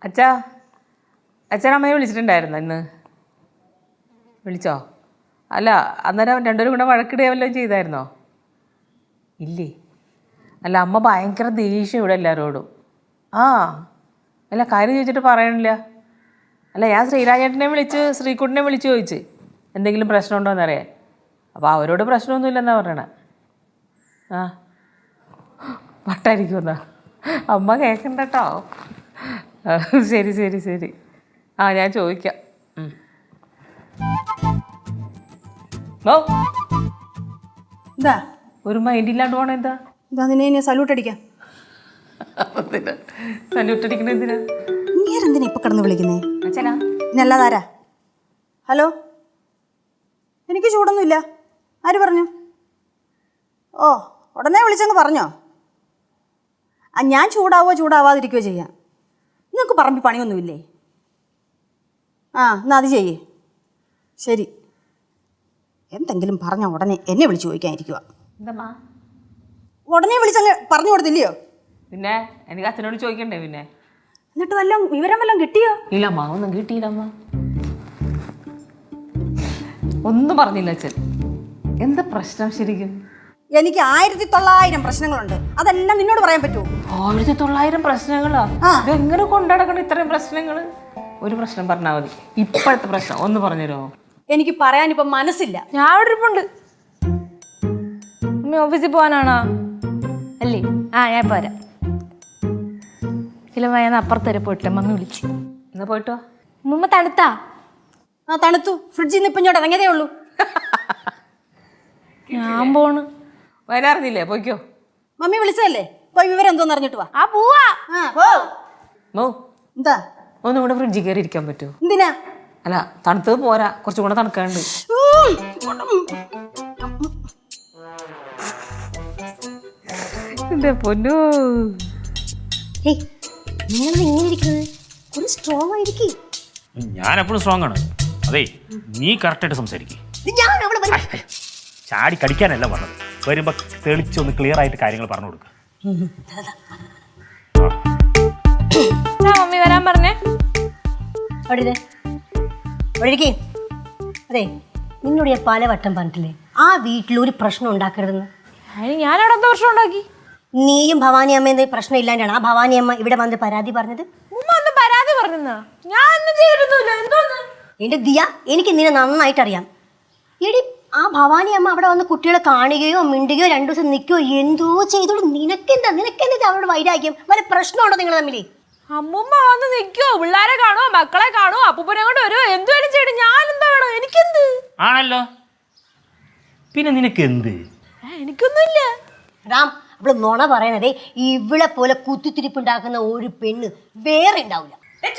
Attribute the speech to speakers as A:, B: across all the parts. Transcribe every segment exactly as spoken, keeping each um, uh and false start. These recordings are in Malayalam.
A: അച്ഛാ അച്ഛനമ്മയെ വിളിച്ചിട്ടുണ്ടായിരുന്നോ ഇന്ന്? വിളിച്ചോ? അല്ല അന്നേരം രണ്ടുപേരും കൂടെ വഴക്കിടുക വല്ലതും ചെയ്തായിരുന്നോ? ഇല്ലേ? അല്ല അമ്മ ഭയങ്കര ദേഷ്യം ഇവിടെ എല്ലാവരോടും. ആ അല്ല കാര്യം ചോദിച്ചിട്ട് പറയണില്ല. അല്ല ഞാൻ ശ്രീരാജേട്ടനെ വിളിച്ച് ശ്രീകുട്ടനെ വിളിച്ച് ചോദിച്ച് എന്തെങ്കിലും പ്രശ്നമുണ്ടോ എന്നറിയാൻ. അപ്പോൾ അവരോട് പ്രശ്നമൊന്നുമില്ലെന്നാണ് പറയണേ. ആ വട്ടായിരിക്കുമെന്നാ അമ്മ കേൾക്കണ്ട കേട്ടോ. ശരി ശരി ശരി ആ ഞാൻ ചോദിക്കാം. ഓ
B: എന്താ
A: ഒരു മൈൻഡ് ഇല്ലാണ്ട് പോണ എന്താ?
B: എന്താ നിന്നെ ഇനി സല്യൂട്ട് അടിക്കാം?
A: സല്യൂട്ട് അടിക്കണ എന്തിനാ?
B: നീരെന്തിനാ ഇപ്പൊ കിടന്ന് വിളിക്കുന്നേ?
A: അച്ഛനാ
B: ഇന്നല്ലാതാരാ? ഹലോ, എനിക്ക് ചൂടൊന്നുമില്ല. ആര് പറഞ്ഞു? ഓ ഉടനെ വിളിച്ചങ്ങ് പറഞ്ഞോ? ആ ഞാൻ ചൂടാവോ ചൂടാവാതിരിക്കുകയോ ചെയ്യാം. നിങ്ങൾക്ക് പറമ്പിൽ പണിയൊന്നുമില്ലേ? ആ എന്നാൽ അത് ചെയ്യേ. ശരി, എന്തെങ്കിലും പറഞ്ഞ ഉടനെ എന്നെ വിളിച്ച് ചോദിക്കാനിരിക്കുക.
A: എന്താ
B: ഉടനെ വിളിച്ചങ്ങ് പറഞ്ഞു കൊടുത്തില്ലയോ?
A: പിന്നെ എനിക്ക് അച്ഛനോട് ചോദിക്കണ്ടേ? പിന്നെ
B: എന്നിട്ട് വല്ലതും വിവരം വല്ലതും കിട്ടിയോ?
A: ഇല്ലമ്മ ഒന്നും കിട്ടിയില്ലമ്മ. ഒന്നും പറഞ്ഞില്ല അച്ഛൻ. എന്താ പ്രശ്നം ശരിക്കും?
B: എനിക്ക് ആയിരത്തി തൊള്ളായിരം പ്രശ്നങ്ങളുണ്ട്. അതെല്ലാം നിന്നോട് പറയാൻ പറ്റുമോ?
A: ആയിരത്തി തൊള്ളായിരം പ്രശ്നങ്ങളാ? ഇതെങ്ങനെ കൊണ്ടുനടക്കണം ഇത്രയും പ്രശ്നങ്ങൾ? ഒരു പ്രശ്നം പറഞ്ഞാൽ മതി. ഇപ്പോഴത്തെ പ്രശ്നം ഒന്ന് പറഞ്ഞുതരുമോ?
B: എനിക്ക് പറയാനിപ്പം മനസ്സില്ല.
C: ഞാൻ അവിടെ ഇരിപ്പുണ്ട്. അമ്മ ഓഫീസിൽ പോകാനാണോ? അല്ലേ? ആ ഞാൻ പോരാ. ഇല്ല ഞാൻ അപ്പുറത്ത് വരെ പോയിട്ടില്ല. മമ്മി വിളിച്ച്.
A: എന്നാ പോയിട്ടോ.
C: മുമ്പ് തണുത്താ?
B: ആ തണുത്തു. ഫ്രിഡ്ജിൽ നിന്ന് ഇപ്പം ഇങ്ങോട്ട് ഇറങ്ങിയതേ ഉള്ളൂ.
C: ഞാൻ പോണ്.
A: വരാറില്ലേ? പോയിക്കോ.
B: മമ്മി വിളിച്ചതല്ലേ? പോയി വിവരം എന്തോന്ന് അറിഞ്ഞിട്ട് വാ.
C: ആ പോവാ.
B: ആ പോ.
A: മോ
B: എന്താ
A: ഒന്നും കൂടെ ഫ്രിഡ്ജിൽ കയറി ഇരിക്കാൻ പറ്റുമോ?
B: എന്തിനാ?
A: അല്ല തണുത്തത് പോരാ, കുറച്ചും കൂടെ തണുക്കാണ്ട്. എന്റെ പൊന്നോ,
D: ഞാൻ എപ്പോഴും സ്ട്രോങ് ആണ്. അതെ നീ കറക്റ്റായിട്ട് സംസാരിക്കും. ചാടി കടിക്കാനല്ല പറഞ്ഞത്. വരുമ്പോ തെളിച്ചൊന്ന് ക്ലിയർ ആയിട്ട് കാര്യങ്ങൾ പറഞ്ഞു കൊടുക്കുക.
C: മമ്മി വരാൻ പറഞ്ഞേ.
E: അതെ നിന്നോട് ഞാൻ പലവട്ടം പറഞ്ഞിട്ടില്ലേ ആ വീട്ടിൽ ഒരു പ്രശ്നം ഉണ്ടാക്കരുതെന്ന്?
C: അതിന് ഞാൻ അവിടെ എന്താ പ്രശ്നം ഉണ്ടാക്കി?
E: നീയും ഭവാനി അമ്മ എന്തെങ്കിലും പ്രശ്നം ഇല്ലാണ്ടാണ് ആ ഭവാനി അമ്മ ഇവിടെ വന്ന് പരാതി പറഞ്ഞത്?
C: ഉമ്മ ഒന്ന് പരാതി പറഞ്ഞെന്നാ? ഞാൻ ഒന്നും ചെയ്തിട്ടൊന്നുമില്ല. എന്തോന്ന്?
E: എന്റെ ദിയ, എനിക്ക് നിന്നെ നന്നായിട്ട് അറിയാം. എടി ആ ഭവാനി അമ്മ അവിടെ വന്ന് കുട്ടികളെ കാണുകയോ മിണ്ടുകയോ രണ്ടു ദിവസം നിൽക്കുകയോ എന്തോ ചെയ്തോളൂ. നിനക്കെന്താ നിനക്കെന്താ അവരോട് വൈരാഗ്യം? വല്ല പ്രശ്നമുണ്ടോ നിങ്ങൾ തമ്മിൽ?
C: അമ്മുമ്മ വന്ന് നിൽക്കോ, പിള്ളേരെ കാണുമോ, മക്കളെ കാണുമോ, അപ്പൂപ്പനെ കൊണ്ട് വരുമോ, എന്ത് വേണം ചെയ്യണം. ഞാൻ എന്താ വേണോ? എനിക്കെന്ത്
D: ആണല്ലോ, പിന്നെ നിനക്ക് എന്ത്?
C: എനിക്കൊന്നുമില്ല.
E: റാം അവള് നുണ പറയണതേ. ഇവളെ പോലെ കുത്തിത്തിരിപ്പുണ്ടാക്കുന്ന ഒരു പെണ്ണ് വേറെ ഉണ്ടാവില്ല.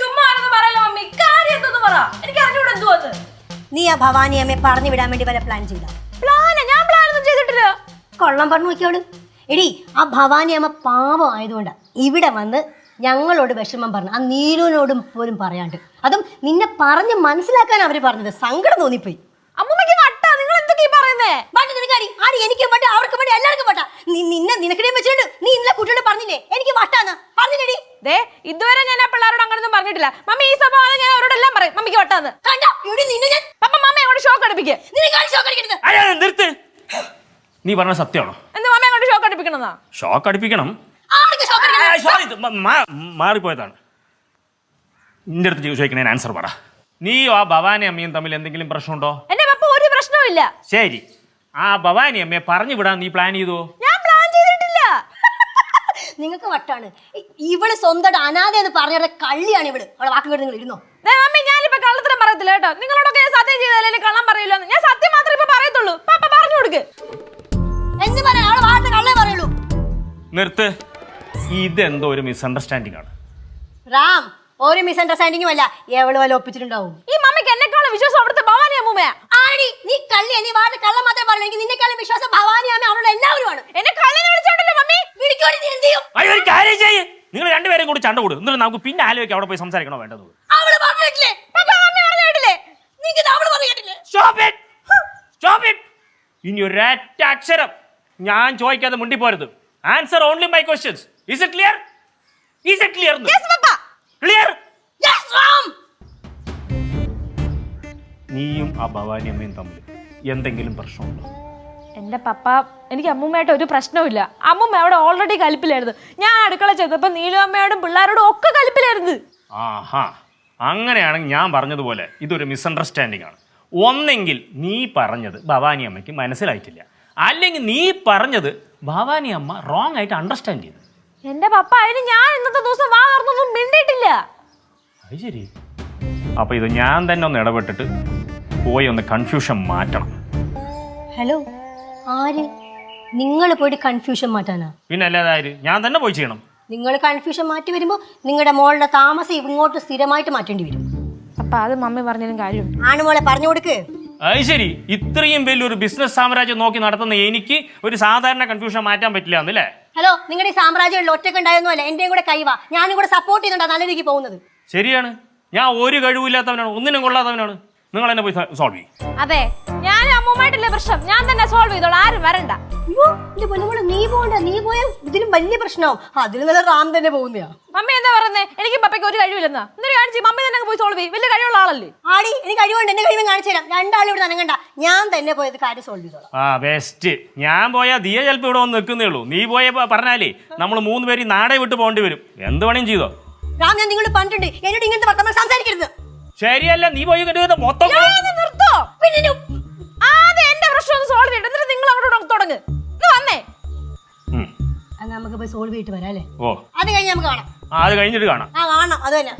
E: നീ ആ ഭവാനി അമ്മയെ പറഞ്ഞു വിടാൻ വേണ്ടി വല്ല പ്ലാൻ ചെയ്ത?
C: ഞാൻ പ്ലാൻ ഒന്നും ചെയ്തിട്ടില്ല.
E: കൊള്ളം പറഞ്ഞു നോക്കിയോളൂ. എടി ആ ഭവാനി അമ്മ പാവം ആയതുകൊണ്ടാ ഇവിടെ വന്ന് ഞങ്ങളോട് വിഷമം പറഞ്ഞു. ആ നീലുവിനോടും പോലും പറയാണ്ട്. അതും നിന്നെ പറഞ്ഞ് മനസ്സിലാക്കാൻ അവര് പറഞ്ഞത്. സങ്കടം തോന്നിപ്പോയി.
C: അമ്മൂമ്മക്ക് വട്ടാ. നിങ്ങൾ എന്തൊക്കെയാ പറയുന്നേ?
E: എനിക്ക് വട്ട, അവർക്ക് വട്ട, എല്ലാവർക്കും വട്ട. നിന്നെ നിനക്കിടയും വെച്ചിട്ട് നീ ഇന്നലെ കുട്ടിയോട് പറഞ്ഞില്ലേ എനിക്ക് വട്ടാന്ന്? പറഞ്ഞില്ലേടി?
C: ദേ ഇതുവരെ ഞാൻ ആ പിള്ളേരോട് അങ്ങനൊന്നും പറഞ്ഞിട്ടില്ല. മമ്മി ഈ സംഭവം ഞാൻ അവരോടെല്ലാം പറയും മമ്മിക്ക് വട്ടാന്ന്. പപ്പ മമ്മ അങ്ങോട്ട് ഷോക്ക് അടിപ്പിക്കേ.
D: നിർത്ത്. നീ പറഞ്ഞ സത്യമാണോ?
C: എന്താ മമ്മ അങ്ങോട്ട് ഷോക്ക് അടിപ്പിക്കണമെന്നാ?
D: ഷോക്ക് അടിപ്പിക്കണം. മാറിപ്പോയതാണ്. നിന്റെ അടുത്ത് ചോദിക്കണേ ആൻസർ പറ. നീയോ ആ ഭവാനി അമ്മയും തമ്മിൽ എന്തെങ്കിലും പ്രശ്നമുണ്ടോ?
C: എന്റെ പപ്പ ഒരു പ്രശ്നവും ഇല്ല.
D: ശരി, ആ ഭവാനി അമ്മയെ പറഞ്ഞു വിടാൻ നീ പ്ലാൻ ചെയ്തോ?
C: ഞാൻ പ്ലാൻ ചെയ്തിട്ടില്ല.
E: നിങ്ങൾക്ക് വട്ടാണ്. ഇവള് സ്വന്തം അനാഥ എന്ന് പറഞ്ഞ കള്ളിയാണ് ഇവള്. അവളെ വാക്കുകൾ നിങ്ങൾ ഇരുന്നോ?
C: മമ്മി ഞാനിപ്പോ കള്ളത്തരം പറയത്തില്ല കേട്ടോ. നിങ്ങളോടൊക്കെ ഞാൻ സത്യം ചെയ്താലേ കള്ളം പറയില്ലോ. ഞാൻ സത്യം മാത്രമേ ഇപ്പൊ പറയത്തുള്ളൂ. പപ്പ പറഞ്ഞു കൊടുക്ക്.
E: എന്ത് പറയാ? അവളെ വാർത്ത കള്ളേ പറയുള്ളൂ.
D: നിർത്ത്. ഇതെന്തോ ഒരു മിസ്അണ്ടർസ്റ്റാൻഡിംഗ് ആണ്.
E: റാം ഒരു മിസ്അണ്ടർസ്റ്റാൻഡിംഗും അല്ല. എവള് വല്ല ഒപ്പിച്ചിട്ടുണ്ടാവും.
C: ഈ മമ്മിക്ക് എന്നെക്കാളും വിശ്വാസം അവിടുത്തെ ഭവാനി അമ്മൂമ്മയാ.
E: ആടി നീ കള്ളിയാ. നീ വാർത്ത കള്ളം മാത്രമേ പറഞ്ഞു. എനിക്ക് നിന്നെക്കാളും വിശ്വാസം ഭവാനി അമ്മ അവളുടെ എല്ലാവരുമാണ്.
C: എന്നെ കള്ളിനെ വിളിച്ചോണ്ടല്ലോ മമ്മി.
E: വിളിക്കോടി. നീ എന്ത് ചെയ്യും?
D: ഒരു കാര്യം ചെയ്യ്. നിങ്ങൾ രണ്ടുപേരും കൂടി ചണ്ട കൂടും. എന്നിട്ട് നമുക്ക് പിന്നെ ആലോചിക്കാം അവിടെ പോയി സംസാരിക്കണോ വേണ്ടത്.
E: അവള് പറഞ്ഞിട്ടില്ലേ?
C: പപ്പ മമ്മി പറഞ്ഞു കേട്ടില്ലേ?
E: നിങ്ങൾക്ക് അവള് പറഞ്ഞു കേട്ടില്ലേ?
D: Stop it! Stop it! ഇനി ഒരൊറ്റ അക്ഷരം ഞാൻ ചോദിക്കാതെ മുണ്ടിപ്പോരുത്. Answer only my questions. Is it clear? Is it clear?
C: Yes, Papa.
D: Clear? നീയും ആ ഭവാനി അമ്മയും തമ്മിൽ എന്തെങ്കിലും പ്രശ്നമുണ്ടോ?
C: എന്റെ പപ്പ എനിക്ക് അമ്മൂമ്മയായിട്ട് ഒരു പ്രശ്നവുമില്ല. അമ്മൂമ്മ അവിടെ ഓൾറെഡി കലിപ്പിലായിരുന്നു. ഞാൻ അടുക്കള ചെയ്തപ്പോൾ നീലു അമ്മയോടും പിള്ളേരോടും ഒക്കെ കലിപ്പിലായിരുന്നു.
D: ആഹാ, അങ്ങനെയാണെങ്കിൽ ഞാൻ പറഞ്ഞതുപോലെ ഇതൊരു മിസ്അണ്ടർസ്റ്റാൻഡിംഗ് ആണ്. ഒന്നെങ്കിൽ നീ പറഞ്ഞത് ഭവാനി അമ്മയ്ക്ക് മനസ്സിലായിട്ടില്ല, അല്ലെങ്കിൽ നീ പറഞ്ഞത് ഭവാനി അമ്മ റോങ് ആയിട്ട് അണ്ടർസ്റ്റാൻഡ് ചെയ്തു.
C: എന്റെ പപ്പ അതിന് ഞാൻ ഇന്നത്തെ ദിവസം വാ തുറന്നൊന്നും മിണ്ടിയിട്ടില്ല.
D: അത് ശരി. അപ്പോൾ ഇത് ഞാൻ തന്നെ ഒന്ന് ഇടപെട്ടിട്ട് പോയി ഒന്ന് കൺഫ്യൂഷൻ മാറ്റണം.
E: ഹലോ, ആര്? നിങ്ങൾ പോയിട്ട് കൺഫ്യൂഷൻ മാറ്റാനാ?
D: പിന്നെ അല്ലാതെ ഞാൻ തന്നെ പോയി ചെയ്യണം.
E: നിങ്ങൾ കൺഫ്യൂഷൻ മാറ്റി വരുമ്പോൾ നിങ്ങളുടെ മോളുടെ താമസം ഇങ്ങോട്ട് സ്ഥിരമായിട്ട് മാറ്റേണ്ടി വരും.
C: അപ്പൊ അത് മമ്മി പറഞ്ഞതിനും കാര്യം.
E: ആണുമോളെ പറഞ്ഞു കൊടുക്ക്.
D: അത് ശരി. ഇത്രയും വലിയൊരു ബിസിനസ് സാമ്രാജ്യം നോക്കി നടത്തുന്ന എനിക്ക് ഒരു സാധാരണ കൺഫ്യൂഷൻ മാറ്റാൻ പറ്റില്ല എന്നല്ലേ?
E: ഹലോ, നിങ്ങളുടെ ഈ സാമ്രാജ്യങ്ങളിൽ ഒറ്റക്ക് ഉണ്ടായൊന്നും അല്ല, എന്റെയും കൂടെ കൈവാ. ഞാനും കൂടെ സപ്പോർട്ട് ചെയ്യുന്നുണ്ടാ നല്ല രീതിക്ക് പോകുന്നത്.
D: ശരിയാണ്, ഞാൻ ഒരു കഴിവില്ലാത്തവനാണ്, ഒന്നിനും കൊള്ളാത്തവനാണ്. നിങ്ങൾ എന്നെ പോയി സോൾവ് ചെയ്യും.
C: അതെ, ഞാൻ അമ്മൂമ്മയായിട്ടില്ല പ്രശ്നം, ഞാൻ തന്നെ സോൾവ് ചെയ്തോളാം, ആരും വരണ്ട.
E: അയ്യോ എന്റെ പൊന്നുമോളെ, നീ പോകണ്ട. നീ പോയ ഇതിലും വലിയ പ്രശ്നമാവും. അതിൽ നല്ല റാം തന്നെ പോകുന്നയാ.
C: മമ്മി എന്താ പറയുന്നേ? എനിക്ക് പപ്പയ്ക്ക് ഒരു കഴിവില്ലെന്നാ. എന്നിട്ട് കാണിച്ച് മമ്മി തന്നെ പോയി സോൾവ് ചെയ്യും. വലിയ കഴിവുള്ള ആളല്ലേ?
E: ആടി, എനിക്ക് കഴിവുണ്ട്. എന്റെ കഴിവ് കാണിച്ചു തരാം. രണ്ടാളും ഇവിടെ നനങ്ങണ്ട, ഞാൻ തന്നെ പോയത് കാര്യം സോൾവ് ചെയ്തോളാം.
D: ആ ബെസ്റ്റ്. ഞാൻ പോയാൽ ദിയ ചിലപ്പോൾ ഇവിടെ വന്ന് നിൽക്കുന്നേ ഉള്ളൂ. നീ പോയ പറഞ്ഞാലേ നമ്മൾ മൂന്ന് പേര് നാടേ വിട്ട് പോകേണ്ടി വരും. എന്ത് പണിയും ചെയ്തോ
E: റാം, ഞാൻ നിങ്ങളോട് പറഞ്ഞിട്ടുണ്ട് എന്നോട് ഇങ്ങനത്തെ വർത്തമാനം സംസാരിക്കരുത്.
D: ശരിയല്ല, നീ പോയി മൊത്തം
C: നിർത്തോ. പിന്നെ ആദ്യം എന്റെ പ്രശ്നം ഒന്ന് സോൾവ് ചെയ്യട്ടെ, എന്നിട്ട് നിങ്ങൾ അങ്ങോട്ട് തുടങ്ങ്. വന്നേ,
E: നമുക്ക് പോയി സോൾവ് ചെയ്തിട്ട് വരാം അല്ലേ?
D: ഓ,
E: അത് കഴിഞ്ഞ് നമുക്ക് കാണാം.
D: അത് കഴിഞ്ഞിട്ട് കാണാം.
E: ആ കാണാം, അത് തന്നെ.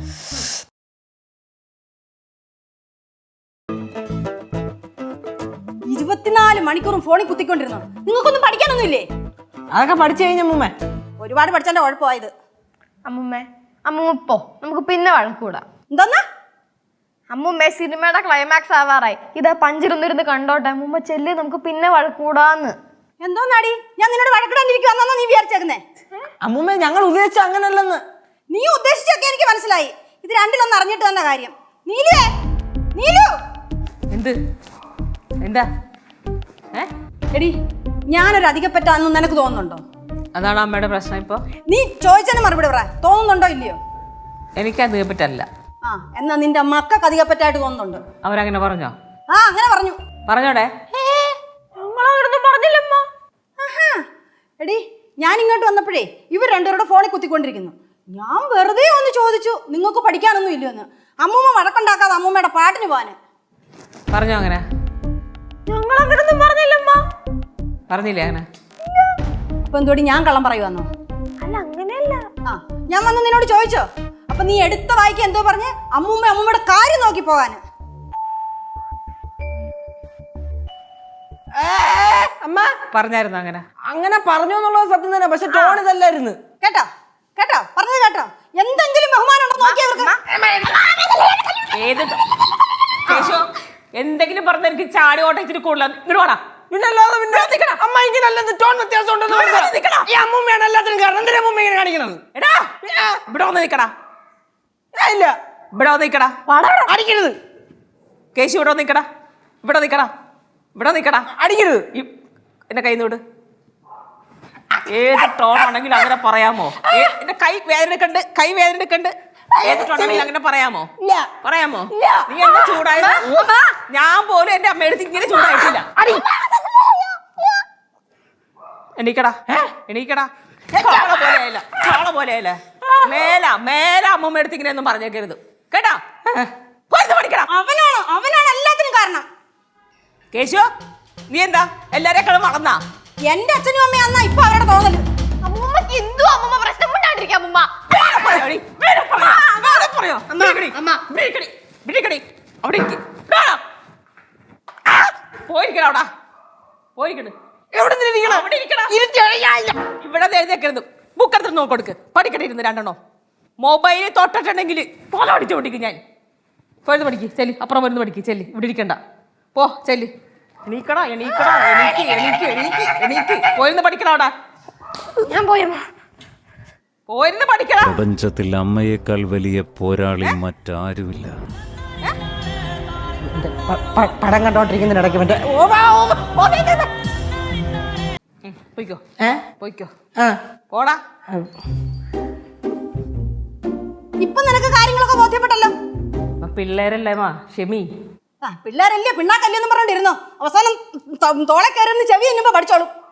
B: ഇരുപത്തിനാല് മണിക്കൂറും ഫോണിൽ കുത്തിക്കൊണ്ടിരുന്നു. നിങ്ങൾക്കൊന്നും പഠിക്കാനൊന്നും ഇല്ലേ?
A: അതൊക്കെ പഠിച്ചു കഴിഞ്ഞ അമ്മൂമ്മ.
B: ഒരുപാട് പഠിച്ചതിന്റെ കുഴപ്പമായത്.
C: അമ്മൂമ്മേ, അമ്മൂമ്മ പോ, നമുക്ക് പിന്നെ വഴക്കൂടാം.
B: എന്തോന്നാ?
C: അമ്മൂമ്മേ, സിനിമയുടെ ക്ലൈമാക്സ് ആവാറായി. ഇതാ പഞ്ചിരുന്നിരുന്ന് കണ്ടോട്ടെ. അമ്മൂമ്മ ചെല്ലി, നമുക്ക് പിന്നെ വഴക്കൂടാന്ന്.
B: എന്തോന്നാടി, ഞാൻ നിന്നോട് വഴക്കിടാണ്ടിരിക്കുവാന്നാ നീ വിചാരിച്ചേക്കുന്നേ?
A: അമ്മൂമ്മ, ഞങ്ങൾ ഉദ്ദേശിച്ച അങ്ങനല്ലെന്ന്.
B: നീ ഉദ്ദേശിച്ചൊക്കെ എനിക്ക് മനസ്സിലായി. ഇത് രണ്ടിലൊന്നും അറിഞ്ഞിട്ട് തന്ന കാര്യം. നീലുവേ, നീലു.
A: എന്ത്? എന്താ? ഏ
B: എടി, ഞാനൊരു അധികപ്പറ്റാന്ന് നിനക്ക് തോന്നുന്നുണ്ടോ?
A: അതാണ് അമ്മയുടെ പ്രശ്നം ഇപ്പോൾ.
B: നീ ചോദിച്ചതിന് മറുപടി പറ. തോന്നുന്നുണ്ടോ ഇല്ലയോ?
A: എനിക്ക് അധികപ്പറ്റല്ല.
B: ആ, എന്നാ നിന്റെ മക്കൾക്ക് അധികപ്പറ്റായിട്ട് തോന്നുന്നുണ്ട്.
A: അവരങ്ങനെ പറഞ്ഞോ?
B: ആ, അങ്ങനെ പറഞ്ഞു.
A: പറഞ്ഞോടെ?
C: പറഞ്ഞില്ലമ്മ.
B: ആഹാ. എടി, ഞാൻ ഇങ്ങോട്ട് വന്നപ്പോഴേ ഇവർ രണ്ടുപേരുടെ ഫോണിൽ കുത്തിക്കൊണ്ടിരിക്കുന്നു. ഞാൻ വെറുതെ ഒന്ന് ചോദിച്ചു, നിങ്ങൾക്ക് പഠിക്കാനൊന്നും ഇല്ലയോന്ന്. അമ്മൂമ്മ വഴക്കുണ്ടാക്കാതെ അമ്മൂമ്മയുടെ പാട്ടിന് പോവാന്.
A: പറഞ്ഞോ അങ്ങനെ?
C: ഞങ്ങൾ അങ്ങനൊന്നും പറഞ്ഞില്ലമ്മ.
A: പറഞ്ഞില്ലേ അങ്ങനെ?
B: അപ്പൊ എന്തോടി ഞാൻ കള്ളം പറയുവാന്നോ?
C: അല്ല, അങ്ങനെയല്ല.
B: ആ, ഞാൻ വന്ന് നിന്നോട് ചോദിച്ചോ? അപ്പൊ നീ എടുത്ത വായിക്ക് എന്തോ പറഞ്ഞ് അമ്മൂമ്മ അമ്മൂമ്മയുടെ കാര്യം നോക്കി പോകാന്.
A: അമ്മ പറഞ്ഞായിരുന്നു അങ്ങനെ? അങ്ങനെ പറഞ്ഞു എന്നുള്ളത് സത്യം തന്നെ, പക്ഷെ ടോൺ ഇതല്ലായിരുന്നു.
B: കേട്ടോ കേട്ടോ പറഞ്ഞത് കേട്ടോ? എന്തെങ്കിലും ബഹുമാനം ഉണ്ടോ നോക്കിയവർക്ക്?
A: ഏത് കേശോ, എന്തെങ്കിലും പറഞ്ഞ എനിക്ക് ചാടി ഓട്ടം ഇച്ചിരി കൂടുതലാണ്. ഇങ്ങോട്ട് വാടാ.
F: അമ്മ ഇങ്ങനല്ലെന്ന് ടോൺ വ്യത്യാസം ഉണ്ടെന്ന് ഈ അമ്മൂമ്മയാണ് എല്ലാത്തിനും കാരണം. എന്തിനാ അമ്മൂമ്മ ഇങ്ങനെ കാണിക്കണത്?
A: എടാ, ഇവിടെ വന്ന് നിക്കടാ.
F: ഇല്ല,
A: ഇവിടെ വന്ന് നിക്കടാ.
F: അടിക്കരുത്.
A: കേശു, ഇവിടെ വന്ന് നിക്കടാ. ഇവിടെ നിക്കടാ. ഇവിടെ നിക്കടാ.
F: അടിക്കരുത്.
A: എന്റെ കൈ നോട്. ഏത് ടോൺ ആണെങ്കിലും അങ്ങനെ പറയാമോ? എന്റെ കൈ വേദനക്കണ്ട്, കൈ വേദനക്കണ്ട്. ഏത് ടോൺ ആണെങ്കിലും അങ്ങനെ പറയാമോ? പറയാമോ? നീ എന്താ ചൂടായത്? ഞാൻ പോലും എന്റെ അമ്മയെടുത്ത് ഇങ്ങനെ ചൂടായിട്ടില്ല. എണീക്കടാ, എണീക്കടാ. ചോള പോലെ ആയില്ല, ചോള പോലെ ആയില്ല. മേല മേല അമ്മമ്മ എടുത്ത് ഇങ്ങനെ ഒന്നും പറഞ്ഞേക്കരുത് കേട്ടാ. പഠിക്കണം.
B: അവനാണോ? അവനാണ് എല്ലാത്തിനും കാരണം.
A: കേശു, നീ എന്താ എല്ലാരെക്കാളും വളർന്നാ?
B: എന്റെ അച്ഛനും അമ്മയാന്നാ ഇപ്പൊ അവരുടെ തോന്നല്.
C: അമ്മൂമ്മക്ക് എന്തോ അമ്മൂമ്മ പ്രശ്നം കൊണ്ടാണ്ടിരിക്കാം. അമ്മൂമ്മ
A: അവിടെ പോയിരിക്കണ. പോയിരിക്കണ്. ഇവിടെ എഴുതേക്കരുത്. ബുക്കെടുത്ത് നോക്കൊടുക്ക്. പഠിക്കട്ടെ ഇരുന്ന് രണ്ടെണ്ണോ. മൊബൈലിൽ തൊട്ടിട്ടുണ്ടെങ്കിൽ പോലെ അടിച്ചു പഠിക്കും ഞാൻ. പോയിരുന്നു പഠിക്ക് ചെല്ലി. അപ്പുറം വരുന്ന് പഠിക്ക് ചെല്ലി. ഇവിടെ ഇരിക്കണ്ട, പോ ചെല്ലി. എണീക്കടാ, എണീക്കടാ, എണീക്ക് എണീക്ക് എണീക്ക് എണീക്ക്. പോയിരുന്ന് പഠിക്കണോടാ.
C: ഞാൻ പോയമ്മ.
A: പോയിരുന്ന് പഠിക്കടാ.
G: പ്രപഞ്ചത്തിൽ അമ്മയേക്കാൾ വലിയ പോരാളി മറ്റാരുമില്ല.
F: പടം കണ്ടോണ്ടിരിക്കുന്നതിനിടയ്ക്ക് മറ്റേ
A: പോയിക്കോ,
F: ഏ
A: പോയിക്കോ,
F: ആ
A: പോടാ.
B: ഇപ്പൊ നിനക്ക് കാര്യങ്ങളൊക്കെ ബോധ്യപ്പെട്ടല്ലോ.
A: പിള്ളേരല്ലേ മാ, ക്ഷമി.
B: ആ പിള്ളേരല്ലേ പിണ്ണാക്കല്ലെന്ന് പറഞ്ഞോണ്ടിരുന്നോ അവസാനം ത- തോളെ കയറുന്ന ചെവി എന്നുമ്പോ പഠിച്ചോളും